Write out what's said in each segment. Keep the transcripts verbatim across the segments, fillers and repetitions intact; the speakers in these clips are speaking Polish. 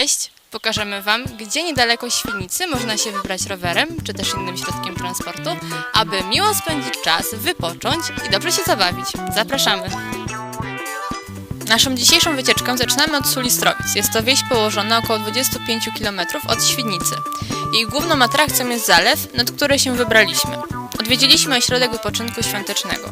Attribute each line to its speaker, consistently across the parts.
Speaker 1: Cześć! Pokażemy Wam, gdzie niedaleko Świdnicy można się wybrać rowerem, czy też innym środkiem transportu, aby miło spędzić czas, wypocząć i dobrze się zabawić. Zapraszamy! Naszą dzisiejszą wycieczkę zaczynamy od Sulistrowic. Jest to wieś położona około dwadzieścia pięć kilometrów od Świdnicy. Jej główną atrakcją jest zalew, nad który się wybraliśmy. Odwiedziliśmy ośrodek wypoczynku świątecznego.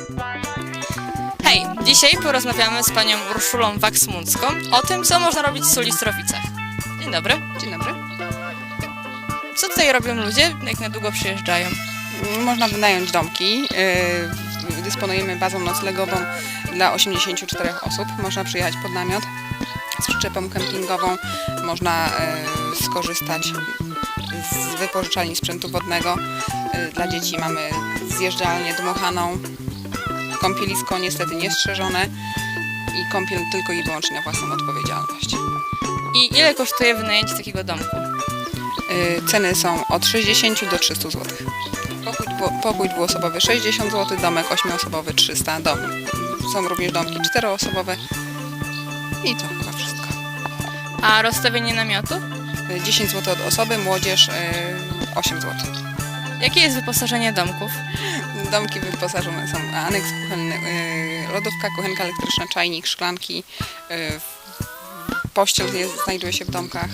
Speaker 1: Hej! Dzisiaj porozmawiamy z panią Urszulą Waks-Muncką o tym, co można robić w Sulistrowicach. Dzień dobry.
Speaker 2: Dzień dobry.
Speaker 1: Co tutaj robią ludzie, jak na długo przyjeżdżają?
Speaker 2: Można wynająć domki. Yy, Dysponujemy bazą noclegową dla osiemdziesięciu czterech osób. Można przyjechać pod namiot z przyczepą kempingową. Można yy, skorzystać z wypożyczalni sprzętu wodnego. Yy, Dla dzieci mamy zjeżdżalnię dmuchaną. Kąpielisko niestety niestrzeżone i kąpiel tylko i wyłącznie na własną odpowiedzialność.
Speaker 1: I ile kosztuje wynajęcie takiego domku?
Speaker 2: Yy, Ceny są od sześćdziesięciu do trzystu złotych. Pokój, dwu, pokój dwuosobowy sześćdziesiąt złotych, domek ośmioosobowy trzysta. Dom. Są również domki czteroosobowe i to chyba wszystko.
Speaker 1: A rozstawienie namiotu?
Speaker 2: Yy, dziesięć złotych od osoby, młodzież yy, osiem złotych.
Speaker 1: Jakie jest wyposażenie domków?
Speaker 2: Domki wyposażone są aneks kuchenny, yy, lodówka, kuchenka elektryczna, czajnik, szklanki, yy, pościel jest, znajduje się w domkach.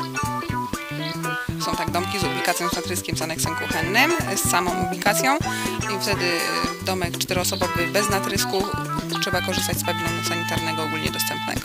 Speaker 2: Są tak domki z ubikacją z natryskiem, z aneksem kuchennym, z samą ubikacją i wtedy domek czteroosobowy bez natrysku, trzeba korzystać z pawilonu sanitarnego ogólnie dostępnego.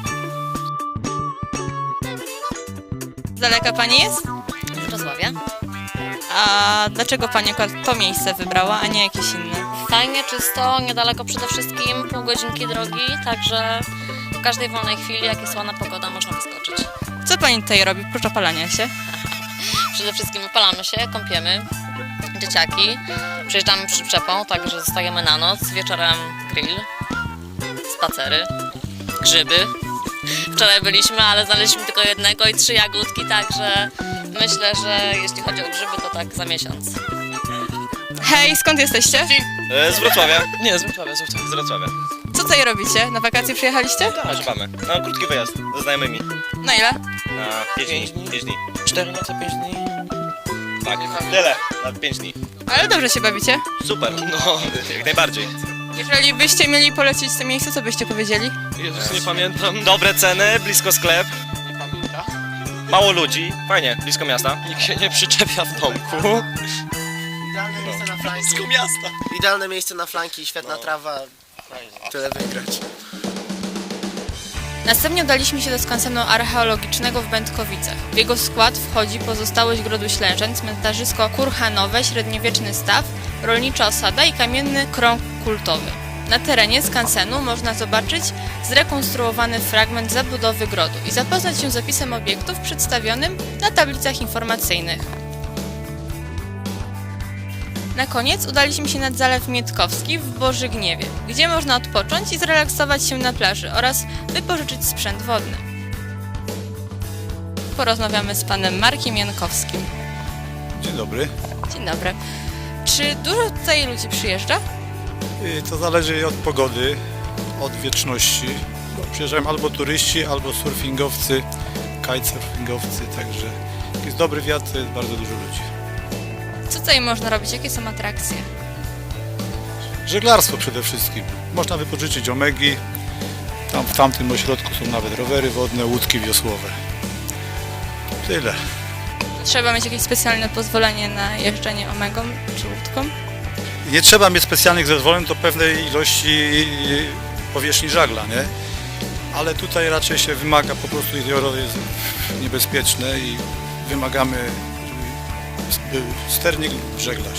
Speaker 1: Z daleka pani jest?
Speaker 3: Z Wrocławia.
Speaker 1: A dlaczego pani akurat to miejsce wybrała, a nie jakieś inne?
Speaker 3: Fajnie, czysto, niedaleko przede wszystkim, pół godzinki drogi, także w każdej wolnej chwili, jak jest ładna pogoda, można wyskoczyć.
Speaker 1: Co pani tutaj robi, prócz opalania się?
Speaker 3: Przede wszystkim opalamy się, kąpiemy, dzieciaki, przyjeżdżamy przyczepą, także zostajemy na noc, wieczorem grill, spacery, grzyby. Wczoraj byliśmy, ale znaleźliśmy tylko jednego i trzy jagódki, także myślę, że jeśli chodzi o grzyby, to tak za miesiąc.
Speaker 1: Hej, skąd jesteście?
Speaker 4: E, Z Wrocławia.
Speaker 5: Nie, z Wrocławia, z Wrocławia.
Speaker 4: Z Wrocławia.
Speaker 1: Co tutaj robicie? Na wakacje przyjechaliście?
Speaker 4: Tak, szukamy. No, krótki wyjazd ze znajomymi.
Speaker 1: Na ile?
Speaker 4: Na pięć
Speaker 5: Pięć
Speaker 4: dni.
Speaker 5: dni.
Speaker 4: pięć dni.
Speaker 5: Cztery noce, pięć dni.
Speaker 4: Tak, tyle. Na pięć dni.
Speaker 1: Ale dobrze się bawicie.
Speaker 4: Super. No, jak najbardziej.
Speaker 1: Jeżeli byście mieli polecić to miejsce, co byście powiedzieli?
Speaker 5: Jezus, nie pamiętam.
Speaker 4: Dobre ceny, blisko sklep,
Speaker 5: Nie pamiętam.
Speaker 4: mało ludzi. Fajnie, blisko miasta.
Speaker 5: Nikt się nie przyczepia w domku.
Speaker 6: Idealne miejsce na flanki.
Speaker 4: Blisko miasta.
Speaker 6: Idealne miejsce na flanki, świetna trawa. Tyle wygrać.
Speaker 1: Następnie udaliśmy się do skansenu archeologicznego w Będkowicach. W jego skład wchodzi pozostałość grodu Ślężeń, cmentarzysko kurhanowe, średniowieczny staw, rolnicza osada i kamienny krąg kultowy. Na terenie skansenu można zobaczyć zrekonstruowany fragment zabudowy grodu i zapoznać się z opisem obiektów przedstawionym na tablicach informacyjnych. Na koniec udaliśmy się nad Zalew Mietkowski w Bożygniewie, gdzie można odpocząć i zrelaksować się na plaży oraz wypożyczyć sprzęt wodny. Porozmawiamy z panem Markiem Jankowskim.
Speaker 7: Dzień dobry.
Speaker 1: Dzień dobry. Czy dużo tutaj ludzi przyjeżdża?
Speaker 7: Y, To zależy od pogody, od wieczności. Bo przyjeżdżają albo turyści, albo surfingowcy, kitesurfingowcy, także jak jest dobry wiatr, to jest bardzo dużo ludzi.
Speaker 1: Co tutaj można robić? Jakie są atrakcje?
Speaker 7: Żeglarstwo przede wszystkim. Można wypożyczyć omegi. Tam w tamtym ośrodku są nawet rowery wodne, łódki wiosłowe. Tyle.
Speaker 1: Trzeba mieć jakieś specjalne pozwolenie na jeżdżenie omegą czy łódką?
Speaker 7: Nie trzeba mieć specjalnych zezwoleń do pewnej ilości powierzchni żagla, nie? Ale tutaj raczej się wymaga, po prostu jezioro jest niebezpieczne i wymagamy, żeby był sternik lub żeglarz.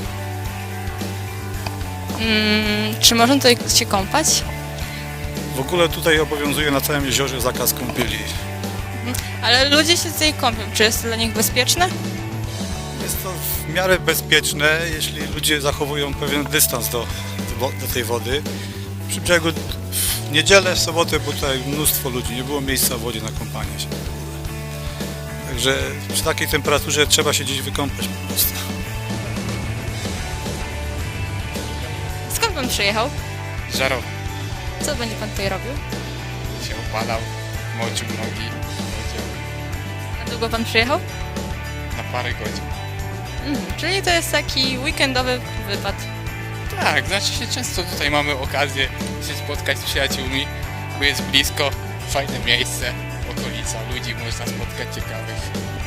Speaker 1: Mm, czy można tutaj się kąpać?
Speaker 7: W ogóle tutaj obowiązuje na całym jeziorze zakaz kąpieli.
Speaker 1: Ale ludzie się tutaj kąpią. Czy jest to dla nich bezpieczne?
Speaker 7: Jest to w miarę bezpieczne, jeśli ludzie zachowują pewien dystans do, do, do tej wody. Przy brzegu w niedzielę, w sobotę było tutaj mnóstwo ludzi, nie było miejsca w wodzie na kąpanie się. Także przy takiej temperaturze trzeba się gdzieś wykąpać po prostu.
Speaker 1: Skąd pan przyjechał?
Speaker 8: Żarowy
Speaker 1: Co będzie pan tutaj robił?
Speaker 8: się opalał, moczył nogi.
Speaker 1: długo pan przyjechał?
Speaker 8: Na parę godzin.
Speaker 1: Mhm, czyli to jest taki weekendowy wypad.
Speaker 8: Tak, znaczy się często tutaj mamy okazję się spotkać z przyjaciółmi, bo jest blisko, fajne miejsce, okolica, ludzi można spotkać ciekawych.